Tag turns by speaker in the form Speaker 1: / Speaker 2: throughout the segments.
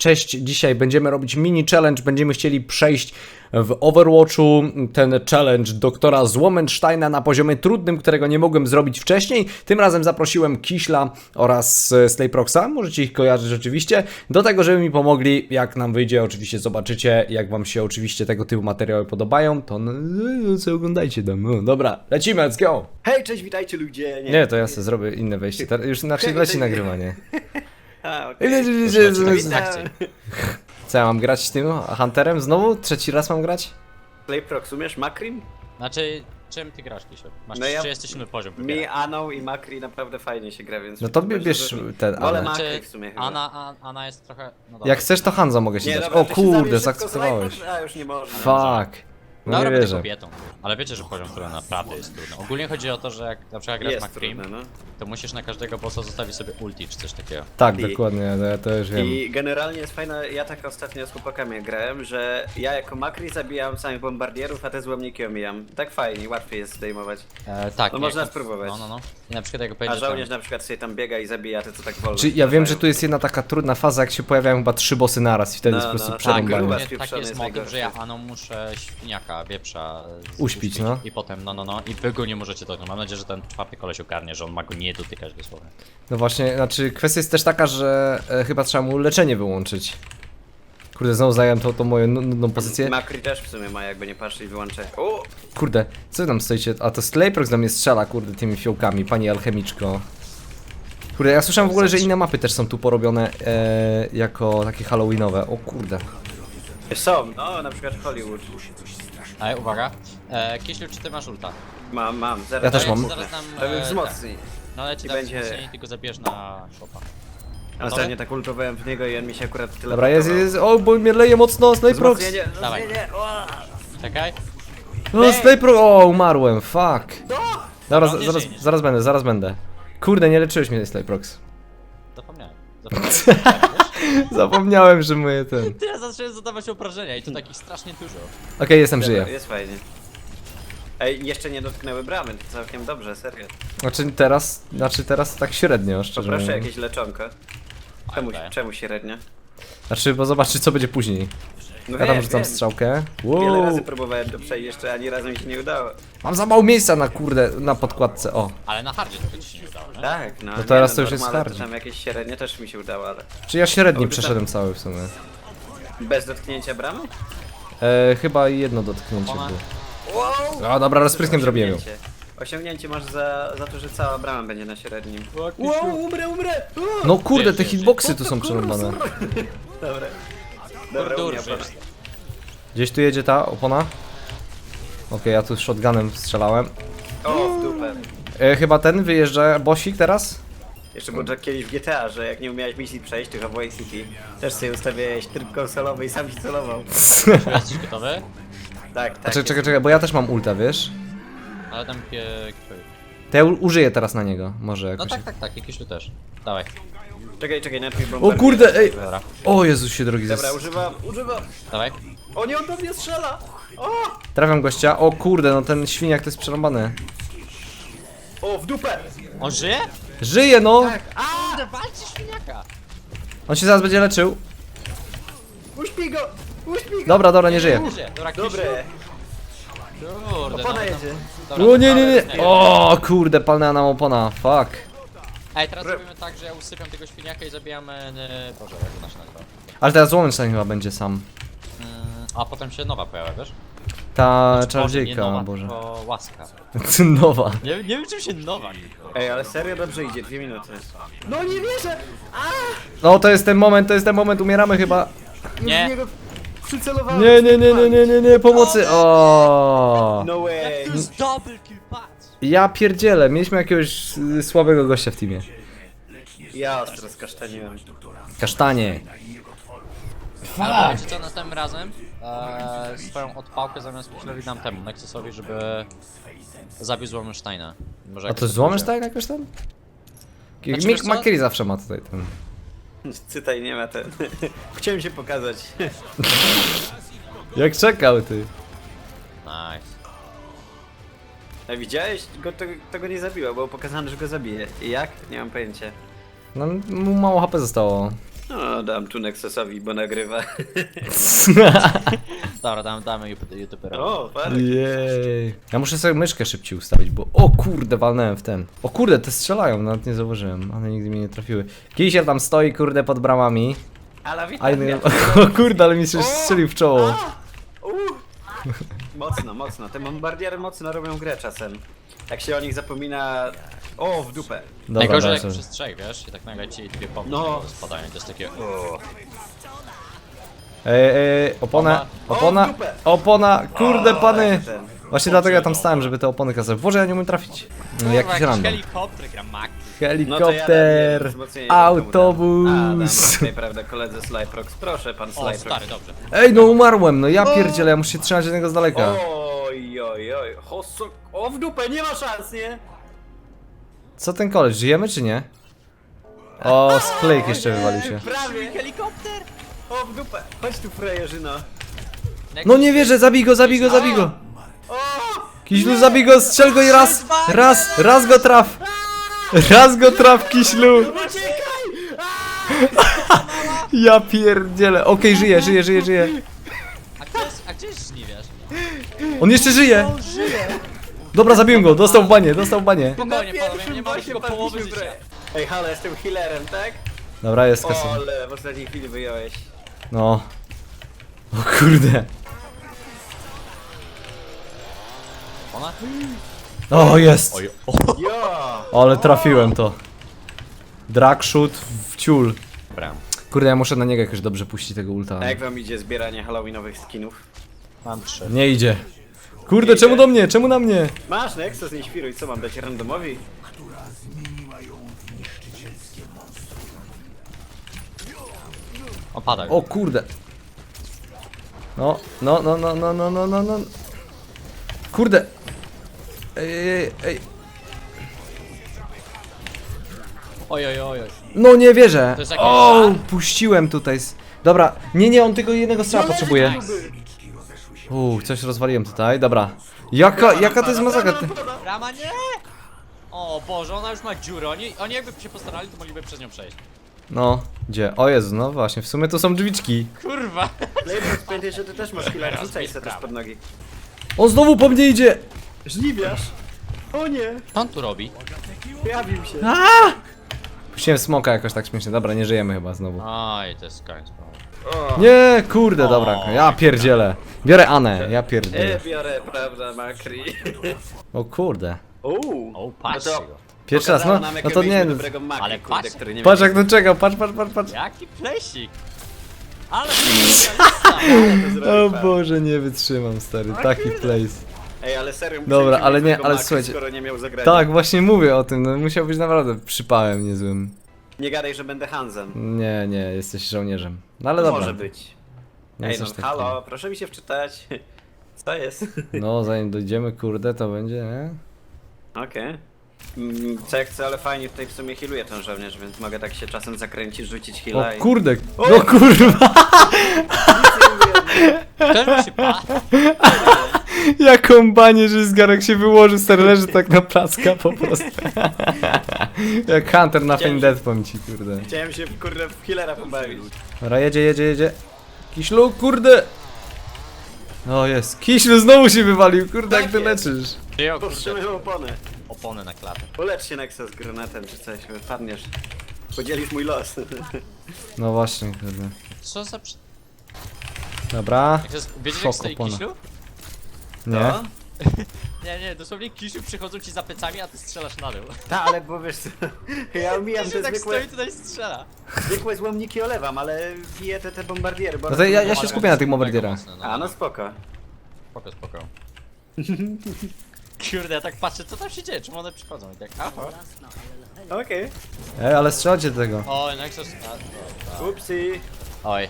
Speaker 1: Cześć, dzisiaj będziemy robić mini challenge, będziemy chcieli przejść w Overwatchu ten challenge doktora Złomensteina na poziomie trudnym, którego nie mogłem zrobić wcześniej. Tym razem zaprosiłem Kiśla oraz Slayproxa, możecie ich kojarzyć oczywiście, do tego, żeby mi pomogli, jak nam wyjdzie, oczywiście zobaczycie, jak wam się oczywiście tego typu materiały podobają, to co oglądajcie tam. No, dobra, lecimy, let's go!
Speaker 2: Hej, cześć, witajcie ludzie!
Speaker 1: Nie, to ja sobie zrobię inne wejście, już inaczej leci nagrywanie.
Speaker 2: A, okej.
Speaker 1: Co ja mam grać tym Hunterem znowu? Trzeci raz mam grać?
Speaker 2: Playprox, umiesz Makrim?
Speaker 3: Znaczy, czym ty grasz, Kisio? Masz
Speaker 2: No ja-
Speaker 3: 37 poziom.
Speaker 2: Mi, Aną i Makri naprawdę fajnie się gra, więc...
Speaker 1: No to
Speaker 2: myślę,
Speaker 1: bierz
Speaker 2: że-
Speaker 1: ten,
Speaker 2: Wolę
Speaker 1: ale...
Speaker 2: Makri w sumie chyba.
Speaker 3: Ana jest trochę... No dobra.
Speaker 1: Jak chcesz to Hanzo mogę ci
Speaker 2: Nie,
Speaker 1: dać.
Speaker 2: dobra,
Speaker 1: O
Speaker 2: to się
Speaker 1: kurde,
Speaker 2: zabierz szybko z
Speaker 1: zaakceptowałeś.
Speaker 2: Playprox. A, już nie można.
Speaker 1: Fuck. No
Speaker 3: Dobra,
Speaker 1: nie
Speaker 3: będę
Speaker 1: wierzę.
Speaker 3: kobietą. Ale wiecie, że poziom, który naprawdę jest trudny. Ogólnie chodzi o to, że jak na przykład grasz
Speaker 2: Jest
Speaker 3: McCream,
Speaker 2: trudne, no.
Speaker 3: to musisz na każdego bossa zostawić sobie ulti czy coś takiego.
Speaker 1: Tak,
Speaker 2: I-
Speaker 1: dokładnie, to już wiem.
Speaker 2: I generalnie jest fajne, ja tak ostatnio z chłopakami grałem, że ja jako Makri zabijam samych bombardierów, a te złomniki omijam. Tak fajnie, łatwiej jest zdejmować.
Speaker 3: Tak.
Speaker 2: No
Speaker 3: nie,
Speaker 2: można
Speaker 3: to-
Speaker 2: spróbować.
Speaker 3: No. I na przykład jak
Speaker 2: A
Speaker 3: powiedziesz
Speaker 2: żołnierz na przykład sobie tam biega i zabija te, co tak wolno.
Speaker 1: Czy ja wiem, że
Speaker 2: wracają.
Speaker 1: tu jest jedna taka trudna faza, jak się pojawiają chyba 3 bossy naraz i wtedy
Speaker 2: No,
Speaker 1: jest po prostu
Speaker 2: no,
Speaker 3: Tak,
Speaker 2: Przerąbanie.
Speaker 1: przerąbanie.
Speaker 2: Gruba
Speaker 3: ogólnie taki
Speaker 2: spieprzony
Speaker 3: jest
Speaker 2: jest
Speaker 3: motyw, że ja
Speaker 2: najgorszy.
Speaker 3: Aną muszę świniaka, wieprza
Speaker 1: Uśpić, no.
Speaker 3: I potem, i wy go nie możecie dotknąć. Mam nadzieję, że ten czwarty koleś ogarnie, że on ma go nie dotykać dosłownie.
Speaker 1: No właśnie, znaczy kwestia jest też taka, że chyba trzeba mu leczenie wyłączyć. Kurde, znowu zająłem tą moją nudną pozycję.
Speaker 2: Makri też w sumie ma, jakby nie patrzy i wyłączę. O!
Speaker 1: Kurde, co wy tam stoicie? A to Slayprox do mnie strzela, kurde, tymi fiołkami, pani alchemiczko. Kurde, ja słyszałem w ogóle, że inne mapy też są tu porobione jako takie halloweenowe. O kurde.
Speaker 2: Są, no na przykład Hollywood.
Speaker 3: Ej, uwaga. Kieślu, czy ty masz ulta?
Speaker 2: Mam, zaraz.
Speaker 1: Ja też
Speaker 2: dam
Speaker 1: mam.
Speaker 2: ulta.
Speaker 3: Zaraz dam,
Speaker 2: To mnie
Speaker 3: tak.
Speaker 2: wzmocni.
Speaker 3: No ale ci
Speaker 2: I
Speaker 3: dam
Speaker 2: będzie-
Speaker 3: wzmocnienie, tylko zabierz na shopa.
Speaker 2: Ostatnio tak ultowałem w niego i on mi się akurat tyle.
Speaker 1: Dobra, jest, o, bo mnie leje mocno, Slayprox!
Speaker 2: Wzmocnienie,
Speaker 3: Dawaj.
Speaker 2: wzmocnienie, o!
Speaker 3: Czekaj.
Speaker 1: O, Slayprox, o, umarłem, fuck. Dobra,
Speaker 3: No, nie
Speaker 1: zaraz,
Speaker 3: żyje, nie
Speaker 1: zaraz będę. Kurde, nie leczyłeś mnie, Slayprox.
Speaker 3: Zapomniałem.
Speaker 1: Zapomniałem, że moje ten...
Speaker 3: Teraz zacząłem zadawać obrażenia i to takich strasznie dużo.
Speaker 1: Okej, jestem,
Speaker 2: Dobra,
Speaker 1: żyję.
Speaker 2: jest fajnie. Ej, jeszcze nie dotknęły bramy, to całkiem dobrze, serio.
Speaker 1: Znaczy teraz tak średnio, szczerze
Speaker 2: Poproszę
Speaker 1: mówiąc.
Speaker 2: jakieś leczonko.
Speaker 3: Okej.
Speaker 2: Czemu średnio?
Speaker 1: Znaczy, bo zobaczy co będzie później.
Speaker 2: No
Speaker 1: Ja tam
Speaker 2: wiem,
Speaker 1: rzucam
Speaker 2: wiem.
Speaker 1: strzałkę.
Speaker 2: Wiele
Speaker 1: Wow.
Speaker 2: razy próbowałem to przejść, jeszcze ani razu mi się nie udało.
Speaker 1: Mam za mało miejsca na kurde, na podkładce, o.
Speaker 3: Ale na hardzie to ci się nie udało, nie?
Speaker 2: Tak, no.
Speaker 1: No teraz
Speaker 2: nie,
Speaker 1: to już jest
Speaker 2: normale
Speaker 1: hardzi.
Speaker 2: to tam jakieś średnie też mi się udało, ale...
Speaker 1: Czy ja średni
Speaker 2: Dobrze,
Speaker 1: przeszedłem cały w sumie.
Speaker 2: Bez dotknięcia bramy?
Speaker 1: Chyba jedno dotknięcie
Speaker 3: Ona-
Speaker 1: było.
Speaker 2: Wow!
Speaker 1: O, dobra, rozpryskiem zrobiłem ją.
Speaker 2: Osiągnięcie masz za to, że cała brama będzie na średnim.
Speaker 3: Wow,
Speaker 2: umrę!
Speaker 1: No kurde,
Speaker 3: Wiesz,
Speaker 1: te
Speaker 3: wiesz,
Speaker 1: hitboxy tu są przerąbane.
Speaker 2: Dobra. Dobra,
Speaker 3: Dur,
Speaker 2: umiem,
Speaker 3: żyjesz.
Speaker 1: Gdzieś tu jedzie ta opona? Okej, ja tu shotgunem strzelałem.
Speaker 2: O, w dupę.
Speaker 1: Chyba ten wyjeżdża bossik teraz?
Speaker 2: Jeszcze było tak kiedyś w GTA, że jak nie umiałeś misji przejść, tylko w Vice City, też sobie ustawiałeś tryb konsolowy i sam się celował.
Speaker 3: Jesteś gotowy?
Speaker 2: Tak, tak.
Speaker 1: Czekaj, bo ja też mam ulta, wiesz?
Speaker 3: Ale tam
Speaker 1: To ja użyję teraz na niego, może
Speaker 3: No
Speaker 1: jakoś.
Speaker 3: tak, i Kiszu też. Dawaj.
Speaker 2: Czekaj, najpierw
Speaker 1: O
Speaker 2: bombardier.
Speaker 1: kurde, ej!
Speaker 3: Dobra.
Speaker 1: O Jezusie drogi,
Speaker 2: Dobra, używam.
Speaker 3: Dawaj.
Speaker 2: O nie, on do mnie strzela! O!
Speaker 1: trafiam gościa. O kurde, no ten świniak to jest przerąbany.
Speaker 2: O, w dupę!
Speaker 3: On żyje?
Speaker 1: Żyje no!
Speaker 3: Kurde, walczy świniaka!
Speaker 1: On się zaraz będzie leczył.
Speaker 2: Uśpij go! Uśpij go!
Speaker 1: Dobra, nie żyje.
Speaker 3: Nie żyje. Dobra, Kiszu.
Speaker 2: Dobre!
Speaker 3: Kurde,
Speaker 2: Opona
Speaker 3: no,
Speaker 2: jedzie.
Speaker 3: Dobra,
Speaker 1: O nie.
Speaker 3: dobra,
Speaker 1: O kurde, palnęła nam opona, fuck.
Speaker 3: Ej, teraz robimy tak, że ja usypiam tego świniaka i zabijamy... Boże, jak to się nazywa?
Speaker 1: Ale teraz Złomenstein chyba będzie sam.
Speaker 3: A potem się nowa pojawia, wiesz?
Speaker 1: Ta
Speaker 3: Boże, nie
Speaker 1: czarodziejka,
Speaker 3: nowa,
Speaker 1: Boże.
Speaker 3: tylko łaska.
Speaker 1: Nowa.
Speaker 3: Nie wiem czym się nowa.
Speaker 2: Ej, ale serio dobrze idzie, 2 minuty. No nie wierzę!
Speaker 1: No to jest ten moment, umieramy chyba.
Speaker 3: Nie.
Speaker 2: W niego przycelowałem.
Speaker 1: Nie, pomocy. O.
Speaker 2: No way!
Speaker 3: To jest double kill, patrz!
Speaker 1: Ja pierdzielę, mieliśmy jakiegoś słabego gościa w teamie.
Speaker 2: Ja ostro skasztaniłem.
Speaker 1: Kasztanie.
Speaker 3: Ale wiecie co, następnym razem swoją odpałkę zamiast Kiszowi dam temu, Nexusowi, żeby zabił Złomensteina. Może
Speaker 1: A
Speaker 3: jak
Speaker 1: to jest Złomenstein jakoś tam?
Speaker 3: Znaczy, wiesz
Speaker 1: Mick
Speaker 3: co?
Speaker 1: McCreary zawsze ma tutaj ten.
Speaker 2: Cytaj, nie ma ten. Chciałem się pokazać.
Speaker 1: Jak czekał ty.
Speaker 3: Nice.
Speaker 2: A widziałeś? To go nie zabiło, było pokazane, że go zabije. I jak? Nie mam pojęcia.
Speaker 1: No mu mało HP zostało.
Speaker 2: No, dam tu Nexusowi, bo nagrywa.
Speaker 3: Dobra, damy youtuberowi.
Speaker 2: O, parę.
Speaker 1: Jej. Ja muszę sobie myszkę szybciej ustawić, bo... O kurde, walnąłem w ten. O kurde, te strzelają, nawet nie zauważyłem. One nigdy mnie nie trafiły. Kisiel tam stoi, kurde, pod bramami.
Speaker 2: Ale
Speaker 1: A
Speaker 2: witam.
Speaker 1: inny... O kurde, ale mi się strzelił w czoło.
Speaker 2: Mocno. Te bombardiery mocno robią grę czasem. Jak się o nich zapomina... O, w dupę.
Speaker 1: Dobra,
Speaker 3: Najgorzej jak
Speaker 1: dobra.
Speaker 3: przez trzech, wiesz? I tak nagle ci dwie pompy
Speaker 2: No.
Speaker 3: spadają, to jest takie...
Speaker 1: Oponę,
Speaker 2: O,
Speaker 1: opona,
Speaker 2: w dupę.
Speaker 1: opona, kurde pany.
Speaker 2: ten.
Speaker 1: Właśnie dlatego ja tam stałem, żeby te opony kasować. Boże, ja nie umiem trafić. No, jakiś random.
Speaker 3: helikopter gra Mac.
Speaker 1: Helikopter, autobus.
Speaker 2: Nie, prawda, koledze Slyprox. Proszę, pan
Speaker 3: O,
Speaker 2: Slyprox.
Speaker 3: stary, dobrze.
Speaker 1: Ej, no umarłem, no ja pierdzielę, ja muszę się trzymać jednego z daleka.
Speaker 2: Oj. O, w dupę, nie ma szans, nie?
Speaker 1: Co ten koleś, żyjemy czy nie? O, sklejk jeszcze wywalił się.
Speaker 2: Prawie. Helikopter. O, w dupę. Chodź tu, frajerzyno.
Speaker 1: No nie wierzę, zabij go, zabij go, zabij go.
Speaker 2: O!
Speaker 1: Kiślu, zabij go, strzel go i raz go traf. Raz go traf, Kiślu.
Speaker 2: Uciekaj!
Speaker 1: Ja pierdzielę. Okej, żyje.
Speaker 3: A gdzie jest żniwiarz?
Speaker 1: On jeszcze żyje. Dobra, zabiłem go, dostał w banie.
Speaker 3: Spokojnie,
Speaker 2: Na
Speaker 3: panowie,
Speaker 2: pierwszym
Speaker 3: nie mamy
Speaker 2: bosie
Speaker 3: tylko połowy
Speaker 2: padliśmy w
Speaker 3: życia.
Speaker 2: grę. Ej, halo, jestem healerem, tak?
Speaker 1: Dobra, jest
Speaker 2: O,
Speaker 1: kasa.
Speaker 2: ale w ostatniej chwili wyjąłeś.
Speaker 1: No. O kurde.
Speaker 3: Ona?
Speaker 1: O, jest.
Speaker 3: Oj,
Speaker 2: Jo!
Speaker 1: Ale trafiłem to. Dragshot w ciul.
Speaker 3: Dobra.
Speaker 1: Kurde, ja muszę na niego jakoś dobrze puścić tego ulta.
Speaker 2: A jak wam idzie zbieranie halloweenowych skinów?
Speaker 3: Mam 3.
Speaker 1: Nie idzie. Kurde, czemu do mnie? Czemu na mnie?
Speaker 2: Masz, Nexus, nie świruj, co mam dać randomowi?
Speaker 3: Opada.
Speaker 1: O kurde. No. Kurde. Ej.
Speaker 3: Oj.
Speaker 1: No nie wierzę.
Speaker 3: To jest jakiś
Speaker 1: O,
Speaker 3: żart?
Speaker 1: puściłem tutaj. Dobra. Nie, on tylko jednego strzała potrzebuje. Coś rozwaliłem tutaj. Dobra. Jaka to jest masakra?
Speaker 3: Brama nie! O Boże, ona już ma dziurę. Oni jakby się postarali, to mogliby przez nią przejść.
Speaker 1: No, gdzie? O Jezu, no właśnie, w sumie to są drzwiczki.
Speaker 3: Kurwa!
Speaker 2: Playbox, pamiętaj, że ty też masz healer, rzucaj se też pod nogi.
Speaker 1: On znowu po mnie idzie!
Speaker 2: Żniwiarz! O nie!
Speaker 3: Co on tu robi?
Speaker 2: Pojawił się.
Speaker 1: Puściłem smoka jakoś tak śmiesznie. Dobra, nie żyjemy chyba znowu.
Speaker 3: Oj, to jest koniec.
Speaker 2: O!
Speaker 1: Nie, kurde, dobra, ja pierdzielę. Biorę Anę, ja pierdzielę.
Speaker 2: Biorę, prawda, Makri.
Speaker 1: O kurde.
Speaker 2: Uuu.
Speaker 3: O, patrzcie
Speaker 2: No to-
Speaker 3: go.
Speaker 1: Pierwszy raz,
Speaker 2: Pokazało
Speaker 1: no,
Speaker 2: nam,
Speaker 1: no
Speaker 2: jakiego
Speaker 1: to nie,
Speaker 2: mieliśmy
Speaker 1: no,
Speaker 2: dobrego Makri,
Speaker 3: Ale
Speaker 2: kurde,
Speaker 3: patrz.
Speaker 2: który nie
Speaker 1: patrz
Speaker 2: miał.
Speaker 1: jak to czekał, patrz.
Speaker 3: Jaki plesik! Ale
Speaker 1: O Boże, nie wytrzymam, stary, taki place.
Speaker 2: Ej, ale serio,
Speaker 1: Dobra,
Speaker 2: musieliśmy
Speaker 1: ale
Speaker 2: mieć
Speaker 1: nie,
Speaker 2: tego
Speaker 1: ale
Speaker 2: Makri,
Speaker 1: słuchajcie.
Speaker 2: skoro nie miał zagrania.
Speaker 1: Tak, właśnie mówię o tym, no musiał być naprawdę przypałem niezłym.
Speaker 2: Nie gadaj, że będę Hansem.
Speaker 1: Nie, jesteś żołnierzem. No ale dobra.
Speaker 2: Może być.
Speaker 1: Nie
Speaker 2: Ej, no
Speaker 1: jesteś taki.
Speaker 2: halo, proszę mi się wczytać. Co jest?
Speaker 1: No, zanim dojdziemy, kurde, to będzie, nie?
Speaker 2: Okej. Co jak chcę, ale fajnie tutaj w sumie healuje ten żołnierz, więc mogę tak się czasem zakręcić, rzucić
Speaker 1: O
Speaker 2: heala i...
Speaker 1: kurde, no kurwa,
Speaker 3: ten się pa.
Speaker 1: jaką banię, że zgarek się wyłożył, stary, leży tak na placka po prostu. Jak Hunter na Fame Death, powiem ci, kurde.
Speaker 2: Chciałem się, kurde, w healera pobawić.
Speaker 1: Dobra, jedzie. Kiślu, kurde! O jest, Kiślu znowu się wywalił, kurde, jak ty
Speaker 2: Tak jest.
Speaker 1: leczysz.
Speaker 3: Przyjął
Speaker 2: Powstrzymaj oponę.
Speaker 3: opony na klatę.
Speaker 2: Ulecz się Nexus granatem czy coś, padniesz. Podzielisz mój los.
Speaker 1: No właśnie, kurde.
Speaker 3: Co za przy...
Speaker 1: Dobra,
Speaker 3: Jak to jest... Wiecie
Speaker 1: Szok
Speaker 3: jak stoi
Speaker 1: opona.
Speaker 3: Kisiu?
Speaker 1: nie?
Speaker 2: No.
Speaker 3: Nie, dosłownie Kisiu przychodzą ci za plecami, a ty strzelasz na dół.
Speaker 2: Tak, ale bo wiesz co, ja omijam
Speaker 3: Kisiu
Speaker 2: te
Speaker 3: tak
Speaker 2: zwykłe,
Speaker 3: stoi tutaj i strzela.
Speaker 2: zwykłe złomniki olewam, ale biję te bombardiery, bo...
Speaker 1: No to ja się skupię na tych bombardierach.
Speaker 2: A, no spoko.
Speaker 3: Spoko. Kurde, ja tak patrzę, co tam się dzieje, czemu one przychodzą i tak, aha.
Speaker 2: Okej.
Speaker 1: Ale strzelajcie do tego.
Speaker 3: Oj, Nexus...
Speaker 2: Upsi.
Speaker 3: Oj.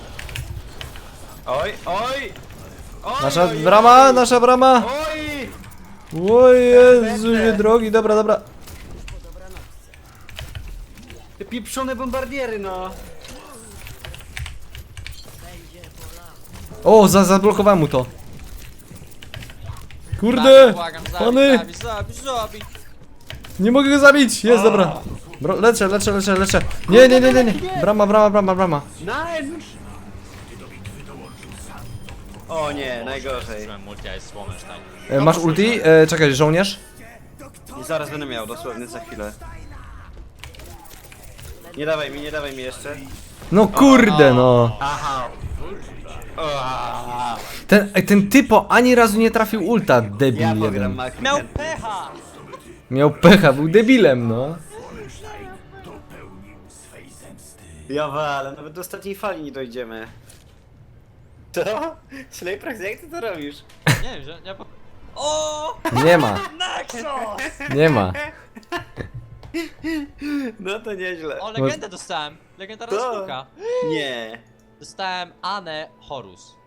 Speaker 2: Oj.
Speaker 1: Nasza brama!
Speaker 2: Oj!
Speaker 1: O Jezusie drogi, dobra.
Speaker 2: Te pieprzone bombardiery, no.
Speaker 1: O, zablokowałem mu to. Kurde!
Speaker 3: Błagam,
Speaker 1: Pany!
Speaker 3: zabij.
Speaker 1: Nie mogę go zabić! Jest, dobra. Leczę. Nie. Brama.
Speaker 2: Nein! O nie, najgorzej.
Speaker 3: Użyłem multi, a jest Słomesztajn.
Speaker 1: Masz ulti? Czekaj, żołnierz?
Speaker 2: I zaraz będę miał, dosłownie za chwilę. Nie dawaj mi jeszcze.
Speaker 1: No kurde, no.
Speaker 2: Aha.
Speaker 1: Ten typo ani razu nie trafił ulta, debil
Speaker 2: Ja
Speaker 1: jeden.
Speaker 2: pogram Makri.
Speaker 3: Miał pecha!
Speaker 1: Miał pecha, był debilem, no.
Speaker 2: Ja walę, nawet do ostatniej fali nie dojdziemy. Co? Slayprax, jak ty to robisz?
Speaker 3: Nie wiem, że nie po... O!
Speaker 1: Nie ma,
Speaker 3: Nexus!
Speaker 1: nie ma.
Speaker 2: No to nieźle.
Speaker 3: O, legendę dostałem. Legendarna
Speaker 2: To-
Speaker 3: skórka.
Speaker 2: Nie.
Speaker 3: Dostałem Anę Horus.